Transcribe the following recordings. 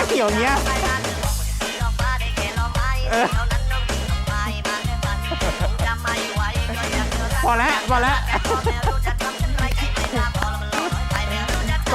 เหี่ยวเงี้ยพอแล้วพอแล้วไป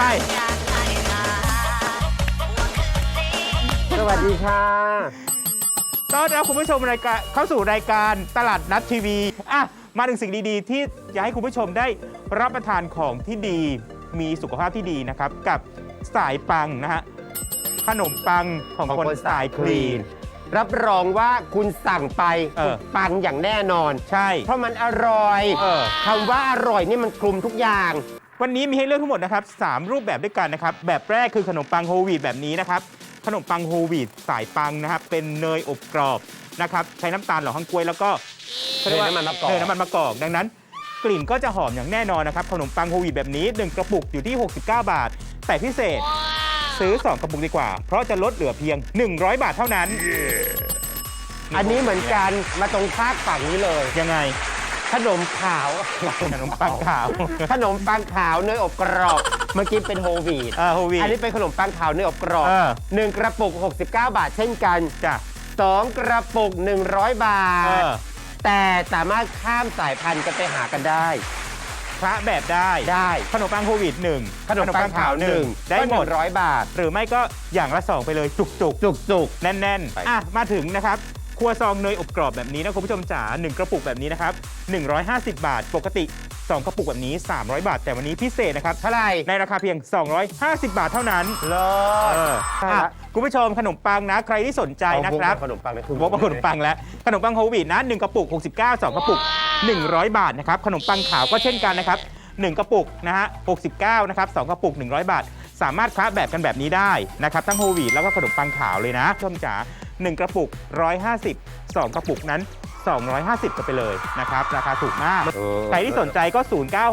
สวัสดีค่ะต้อนรับคุณผู้ชมรายการเข้าสู่รายการตลาดนัดทีวีมาถึงสิ่งดีๆที่จะให้คุณผู้ชมได้รับประทานของที่ดีมีสุขภาพที่ดีนะครับกับสายปังนะฮะขนมปังของคนสายคลีนรับรองว่าคุณสั่งไปปังอย่างแน่นอนใช่เพราะมันอร่อยคำว่าอร่อยนี่มันคลุมทุกอย่างวันนี้มีให้เลือกทั้งหมดนะครับ3รูปแบบด้วยกันนะครับแบบแรกคือขนมปังโฮลวีตแบบนี้นะครับขนมปังโฮลวีตสายปังนะครับเป็นเนยอบกรอบนะครับใช้น้ำตาลหล่อฮังกล้วยแล้วก็เนยน้ำมันมะกอกดังนั้นกลิ่นก็จะหอมอย่างแน่นอนนะครับขนมปังโฮลวีตแบบนี้1กระปุกอยู่ที่69 บาทแต่พิเศษซื้อ2กระปุกดีกว่าเพราะจะลดเหลือเพียง100 บาทเท่านั้นอันนี้เหมือนกันมาตรงภาคฝั่งนี้เลยยังไงขนมขาวขนมปังขาวขนมปังขาวเนยอบกรอบเมื่อกี้เป็นโฮลวีตอันนี้เป็นขนมปังขาวเนยอบกรอบ1กระปุก69 บาทเช่นกันจ้ะ 2กระปุก100 บาทแต่สามารถข้ามสายพันธุ์กันไปหากันได้พระแบบได้ขนมปังโฮลวีต1 ขนมปังขาว1ได้หมด100 บาทหรือไม่ก็อย่างละ2ไปเลยจุกแน่นๆมาถึงนะครับครัวซองเนยอบกรอบแบบนี้นะคุณผู้ชมจ๋า1กระปุกแบบนี้นะครับ150 บาทปกติ2กระปุกแบบนี้300 บาทแต่วันนี้พิเศษนะครับเท่าไหร่ในราคาเพียง250 บาทเท่านั้นคุณผู้ชมขนมปังนะใครที่สนใจนะครับขนมปังนะคุณขนมปังแล้วขนมปังโฮลวีตนะ1กระปุก69 2กระปุก100 บาทนะครับขนมปังขาวก็เช่นกันนะครับ1กระปุกนะฮะ69นะครับ2กระปุก100 บาทสามารถคละแบบกันแบบนี้ได้นะครับทั้งโฮลวีตแล้วก็ขนมปังขาวเลยนะชมจ๋า1กระปุก150 2กระปุกนั้น250กันไปเลยนะครับราคาถูกมากใครที่สนใจก็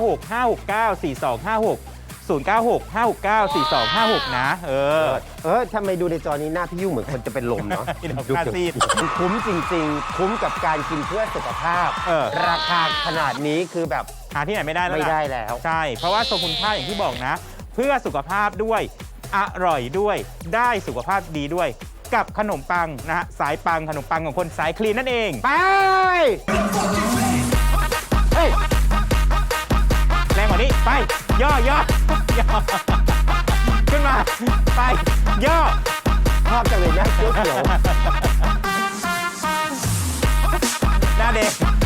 0965694256 0965694256นะทำไมดูในจอนี้หน้าพี่ยุ่งเหมือนคนจะเป็นลมเนาะดูซีดคุ้มจริงๆคุ้มกับการกินเพื่อสุขภาพราคาขนาดนี้คือแบบหาที่ไหนไม่ได้แล้วใช่เพราะว่าทรงคุณค่าอย่างที่บอกนะเพื่อสุขภาพด้วยอร่อยด้วยได้สุขภาพดีด้วยกับขนมปังนะฮะสายปังขนมปังของคนสายคลีนนั่นเองไปแรงกว่านี้ไปย่อขึ้นมาไปย่อชอบจังเลยนะเขียวหน้าเด็ก